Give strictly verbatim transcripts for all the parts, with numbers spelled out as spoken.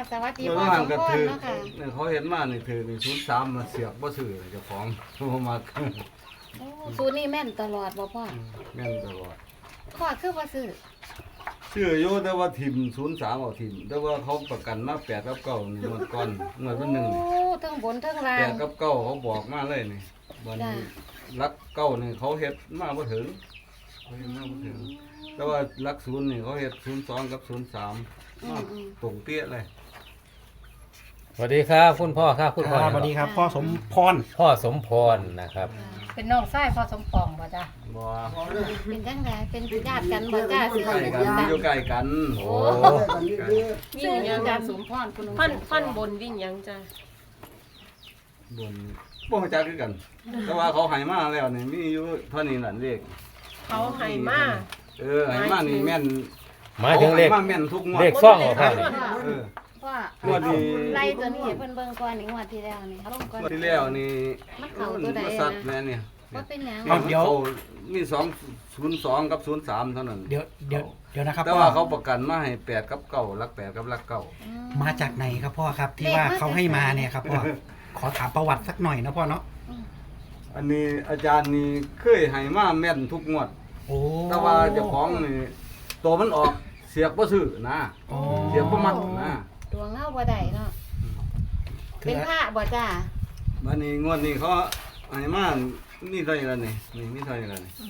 สวัสดีเมื่อพ่อวาสนมก็พรถือเนาะค่ะเนี่ยเขาเห็นมานี่ถือนี่ศูนย์สามมาเสียบบ่ซื้อเจ้าของโทรมาโอ้สูตรนี้แม่นตลอดบ่พ่อแม่นตลอดพ่อคือบ่ซื้อซื้ออยู่แต่ว่าทิมศูนย์สามเอาทิมแต่ว่าเขาประกันมาแปดกับเก้านี่งวดก่อนงวดวันหนึ่งโอ้ทั้งบนทั้งล่าแปงดกับเก้าเขาบอกมาเลยนี่วันนี้รักเก้านี่เขาเฮ็ดมาบ่ถึงเขาเฮ็ดมาบ่ถึงแต่ว่ารักศูนย์นี่เขาเฮ็ดศูนย์สองกับศูนย์สามอืมามอืมตรงเตี้ยเลยสวัสดีครับคุณพ่อครับคุณคพ่อรับสวัสดีครับพ่อสมพรพ่อสมพรนะครับเป็นน้องชายพ่อสมปองบ่จ้ะบ่เป็นจังไดเป็นญาติกันบ่จ้าสิใกล้กันอยู่ใกล้กันโอ้วิ่งยังจ้ะสมพรคุณพันพันบนวิ่งยังจ้ะบนบ่รู้จักคือกัน แต่ว่าเขาให้มาแล้วนี่มีอยู่เท่านี้นั่นเลขเขาให้มาเออให้มานี่แม่นหมายถึงเลขขาให้มาแม่นทุกงวดเลขซ่องเหรอครับเออพ่องวดนี้ไล่ตัวนี้ให้เพิ่นเบิ่งก่อนนี่งวดที่แล้วนี่เอาลงก่อนงวดที่แล้วนี่มันเข้าตัวใดมันสัตว์แม่เนี่ยบ่เป็นหยังมันเข้ามีสองศูนย์สองกับศูนย์สามเท่านั้นเดี๋ยวเดี๋ยวเดี๋ยวนะครับแต่พ่อว่าเขาประกันมาให้แปดกับเก้ารักแปดกับรักเก้าอืมมาจากไหนครับพ่อครับที่ว่าเขาให้มาเนี่ยครับพ่อขอถามประวัติสักหน่อยนะพ่อเนาะอันนี้อาจารย์นี่เคยให้มาแม่นทุกงวดโอ้แต่ว่าเจ้าของนี่ตัวมันออกเสียกบ่ซื้อนะโอ้เสียกบ่มักนะดวงเฮาบ่ได้เนาะคืเป็อนพระบ่จ้าวันนี้งวดนี้เขาให้มานี่เท่าไหร่แล้วนี่นี่มีเท่าไหร่แล้วนี่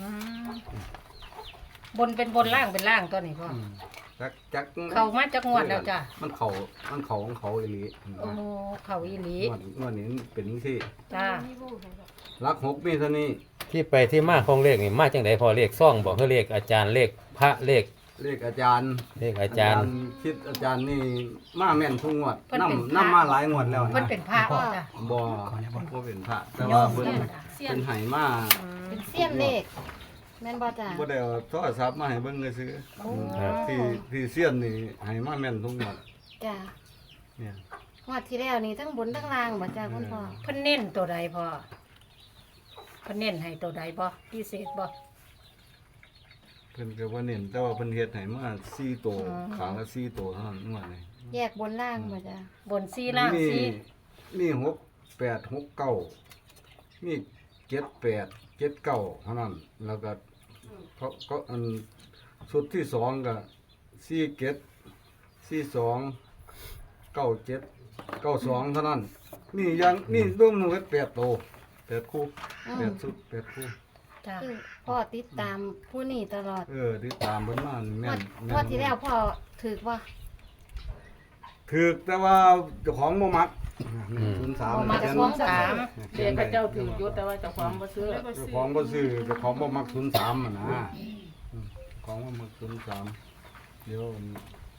บนเป็นบนล่างเป็นล่างตัวนี้พ่ออืมจักจักเข้ามาจากงวดแล้วจ้ะมันเขามันเขาของเขาอีหลีโอ้เขาอีหลีงวดงวดนี้เป็นที่จ้ารักหกมีเท่านี้ที่ไปที่มาของเลขนี่มาจังไดพ่อเลขซ่องบอกคือเลขอาจารย์เลขพระเลขเลขอาจารย์เลขอาจารย์คิดอาจารย์นี่มาแม่นทุกงวดนำนำมาหลายงวดแล้วเพิ่นนะเป็นพระบ่จ้ะบ่บ่เป็นพระแต่ว่าเพิ่นเสี้ยนเป็นไห้มาเป็นเสี้ยนเลขแม่นบ่จ้าบ่ได้เอาโทรศัพท์มาให้เบิ่งเลยซื้อโอ้ที่ที่เสี้ยนนี่ให้มาแม่นทุกงวดจ้าเนี่ยงวดที่แล้วนี่ทั้งบนทั้งล่างบ่จ้าคุณพ่อเพิ่นเน้นตัวใดพ่อเพิ่นเน้นให้ตัวใดบ่พิเศษบ่เพิ่นก็บ่เน้นแต่ว่าเพิ่นเฮ็ดให้มาสี่ตัวอ๋อขางละสี่ตัวเท่านั้นงวดนี้แยกบนล่างบ่จ้าบนสี่ล่างมีสี่มีหกแปดหกเก้ามีเจ็ดแปดเจ็ดเก้าเท่านั้นแล้วก็เขาก็อันชุดที่สองก็สี่เจ็ดสี่สองเก้าเจ็ดเก้าสองเท่านั้นนี่ยังนี่รวมหนึ่งแปดตัวแปดคู่แปดชุดแปดคู่จ้าคือพ่อติดตามผู้นี้ตลอดเออที่ตามเพิ่นมานี่งแม่วดนงวดที่แล้วพ่อถือว่าถือแต่ว่าเจ้าของบ่มักอืมศูนย์สามบ่มักสองสามเขียนได้เจ้าถือยุทธแต่ว่าเจ้าความบ่ซื้อเจ้าของบ่ซื้อเจ้าของบ่มักศูนย์สามอ่ะนะอืมของบ่มักศูนย์สามเดี๋ยวอัน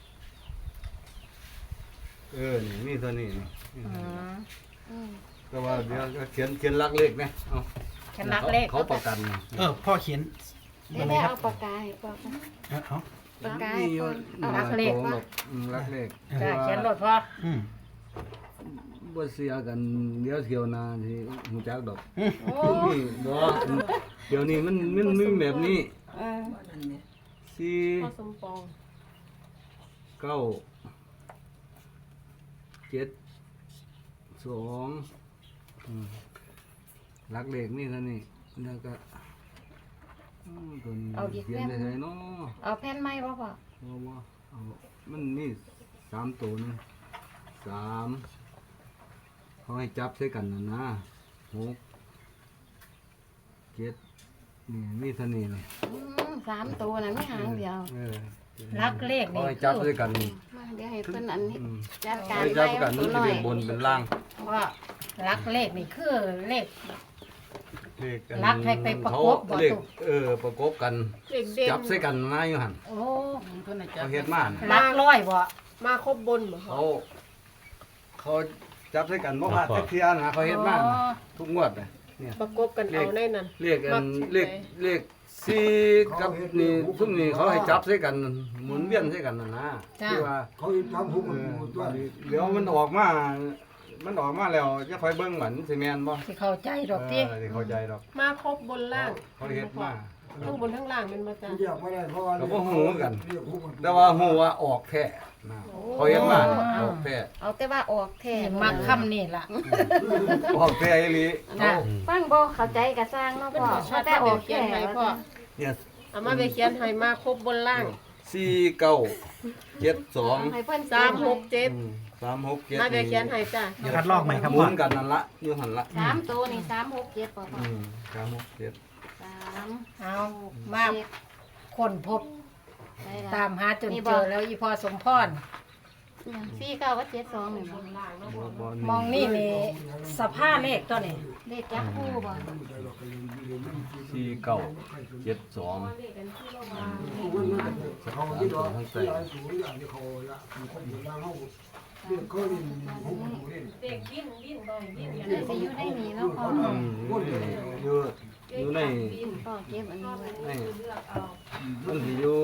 เออนี่มีเท่านี้นี่อืมอืมแต่ว่าเดี๋ยวก็เขียนเขียนลักเลขนะเอาแค่นักเลขเขาประกันนี่เออพ่อเขียนเดี๋ยวได้เอาปากกาให้พ่อค่ะเออเอาปากกามีให้อยู่พ่อเอาหลัลาก ยเลขตัวว่าหรอกอืมลักเลขจ้าเขียนรถพ่ออืมบ่เสียกันเดี๋ยวเที่ยวหน้าที่ฮู้จักดอกโอ้นี่บ่เดี๋ยวนี้มันมันมีแบบนี้เออสี่พ่อสมปองเก้าเจ็ดสองอืมลักเลขนี่เท่านี้แล้วก็อืมตัวนี้เขียนได้ไสเนาะเอาแผ่นไม้บ่พ่อบ่บ่เอามันนี่สามตัวนึงสามเขาให้จับใส่กันนะนะหกเจ็ดนี่มีเท่านี้เลยอืมสามตัวน่ะไม่หางเดียวเออรักเลขเขานี่ให้จับด้วยกันนี่มาเดี๋ยวให้เพิ่นอันนี้อืมจัดการให้จับด้วยกันไว้มันเอาจะตัวหน่อเป็ยนบนเป็นล่างว่ารักเลขนี่คือเลขเลขอันรักให้ไปประกบบ่เขาเลขตุ๊กเออประกบกันเด็กเด่นจับใส่กันนะอยู่หันโอ้เพิ่นน่ะจัเขาบเฮ็ดมาน่ะรักร้อยบ่มาครบบนบ่พ่อเขาเขาจับใส่กันบ่พลาดจักเที่ยนะเขาเฮ็ดมาน่ะทุกงวดน่ะเนี่ยประกบกันเอาในนั้นเลขอันมักสิเลขไปเลขสี่กับนี่ซุมนี่เขาให้จับใส่กันหมุนเวียนใส่กันน่ะนะจ้าที่ว่าเขาทำหุกเอมันอหมดตัวเดี๋ยวมันออกมา มันออกมาแล้วจะค่อยเบิ่งเหมือนสิแม่นบ่สิเข้าใจดอกเอติอสิเข้าใจดอกมาครบบนล่างเขาเฮ็ดมาเอทั้งบนทั้งล่างเป็นมาจ้ะก็บ่ฮู้กัน แต่ว่าฮู้ว่าออกแท้นะเขาเห็นมาออกแท้เอาแต่ว่าออกแท้นี่มักค่ำนี่ล่ะออกแท้อีหลีจ้ะฟังบ่เข้าใจก็สร้างเนาะพ่อเอาแต่ออกเขียแท้นให้พ่อเนี่ยเอามาไปเขียนให้มาครบบนล่างสี่เก้าเจ็ดสองให้เพิ่นสามหกเจ็ดอืมสามหกเจ็ดมาไปเขียนให้จ้ะเดี๋ยวคัดลอกใหม่ครับหมุพ่อนกันนั่นละอยู่หันละสามตัวนี่สามหกเจ็ดพ่อพ่ออืมสามหกเจ็ดสามเอามาคนพบได้ละตามหาจนเจอแล้วอีพอสมพรสี่เก้ากับเจ็ดสองนี่บ่บ่บ่มองนี่นี่สภาพเลขตัวนี้เลขจับคู่บ่สี่เก้าเจ็ดสองสามตัวทั้งใส่เด็กดิ้นดิ้นบ่อยดิ้นได้สิอยู่ได้นี่แล้วพ่ออืมอยู่อยู่ในพ่อเก็บอันนี้ไว้ในมันสิอยู่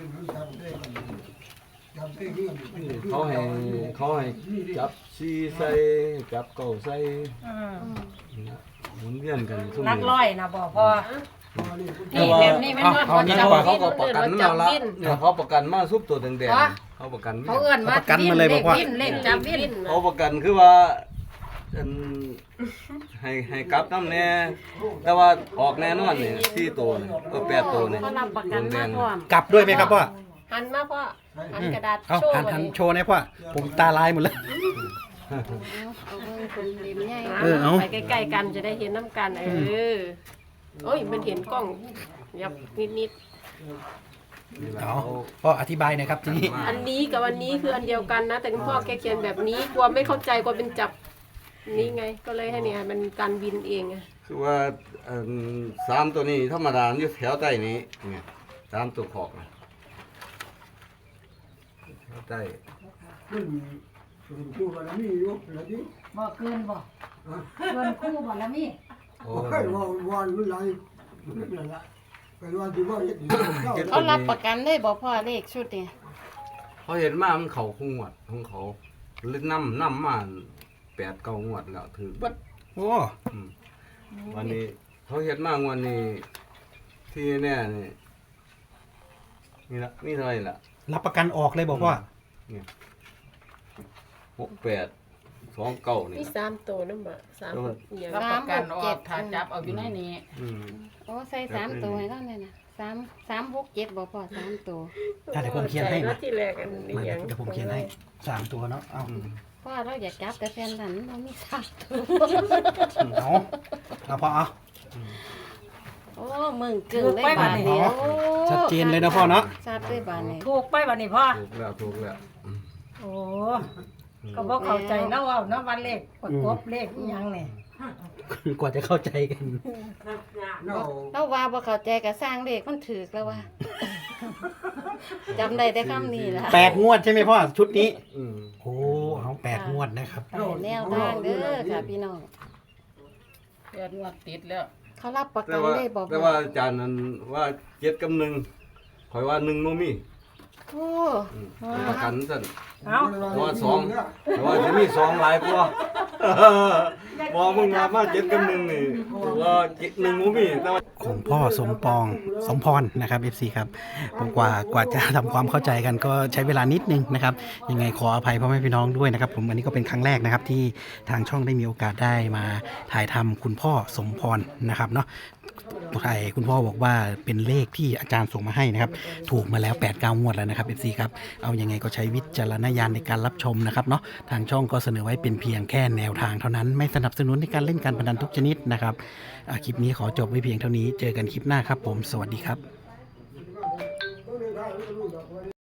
เขาให้เขาให้จับซีใส่จับเก่าใส่อืมอืมหมุนเวียนกันซุ่มนักร้อยนะบ่พอแต่นี่ว่าแบบนี้แม่นว่าเอาคนนี่จับแต่ว่าเขาดิ้นก็ประกันมาละเนี่ยเขาประกันมาซุปตัวแดงอ๋อๆเขาประกันเขาเอื้อนว่าประกันมาเลยบอกว่าดิ้นเลขจับดิ้นเขาประกันคือว่าอันให้ให้กลับน้ำแน่แต่ว่าออกแน่นอนนี่สี่ตัวนี่ก็แปดตัวนี่เขารับประกันมาพร้อมกลับด้วยไหมครับพ่อหันมาพ่อหันกระดาษเอาโชว์หันไว้หันโชว์หนะพ่อผมตาลายหมดแล้วเอาเอาเบิ่งคนริมใหญ่เออเอาไปใกล้ๆกันจะได้เห็นน้ำกันเออโอ้ยมันเห็นกล้องยับนิดเอาพ่ออธิบายหน่อยครับทีนี้ๆอันนี้กับอันนี้คืออันเดียวกันนะ แต่คุณพ่อแกเขียนแบบนี้กลัวไม่เข้าใจกลัวเป็นจับนี่ไง ก็เลยให้เนี่ยมันการบินเองอะคือว่าอันสามตัวนี้ธรรมดาอยู่แถวใต้นี้เนี่ยสามตัวขอกนะแถวใต้บ่เกินบ่เกินคู่บ่แล้วมีโอ้เขารับประกันได้บ่พ่อเลขชุดนี่เขาเห็นมามันเขาคงงวดของเขาเล่นน้ำน้ำมาแปดเก้างวดแล้วถือบัดโอ้อืมวันนี้เขาเห็นมากวันนี้ที่แน่นี่นี่ละนี่เท่าไหร่ละรับประกันออกเลยบอกว่าหกแปดสองเก้านี่มีสามตัวนั่นบ่สามอย่างสามหกเจ็ดถ้าจับเอาอยู่ในนี้อืมโอ้ใส่สามตัวให้แล้วเนี่ยนะสามสามหกเจ็ดบ่พ่อสามตัวถ้าเดี๋ยวผมเขียนให้แล้นะวที่แรกอันนี้มาอย่างเดี๋ยวผมเขียนให้สามตัวเนาะเอาอืมพ่อเราอยากจับแต่แฟนหลันเรามีสามตัวเอาเอาพอเอาโอ้มึงกึ่งได้บาทเดียวชัดเจนเลยนะพ่อเนาะชัดได้บาทนี้ถูกไปบัดนี้พ่อถูกแล้วถูกแล้วอืมโอ้ก็บ่เข้าใจเนาะว่าเนาะวันเลขประกบเลขอีหยังนี่กว่าจะเข้าใจกันเราว่าบ่เข้าใจก็สร้างเลขมันถูกแล้วว่าจำได้แต่คำนี้ล่ะแปดงวดใช่ไหมพ่อชุดนี้อืมโอ้เอาแปดงวดนะครับไปแนวทางเด้อค่ะพี่น้องเดือนงวดติดแล้วเขารับประแต่กันว่าได้บ่แต่ว่าอาจารย์นั้นว่าเจ็ดกับหนึ่งคอยว่าหนึ่งโมมีโอ้อืมประกันสั่นเอ้าเพราะว่าสองเพราะว่าจะมีสองหลายกว่าบอกมึงมาว่าเจ็ดกับหนึ่งนี่ว่าเจ็ดหนึ่งโมมีแต่ว่าของพ่อสมปองสมพรนะครับ เอฟ ซี ครับผมกว่ากว่าจะทำความเข้าใจกันก็ใช้เวลานิดนึงนะครับยังไงขออภัยพ่อแม่พี่น้องด้วยนะครับผมอันนี้ก็เป็นครั้งแรกนะครับที่ทางช่องได้มีโอกาสได้มาถ่ายทำคุณพ่อสมพรนะครับเนาะไทยคุณพ่อบอกว่าเป็นเลขที่อาจารย์ส่งมาให้นะครับถูกมาแล้วแปด เก้างวดแล้วนะครับ เอฟ ซี ครับเอายังไงก็ใช้วิจารณญาณในการรับชมนะครับเนาะทางช่องก็เสนอไว้เป็นเพียงแค่แนวทางเท่านั้นไม่สนับสนุนในการเล่นการพนันทุกชนิดนะครับอ่ะคลิปนี้ขอจบไว้เพียงเท่านี้เจอกันคลิปหน้าครับผมสวัสดีครับ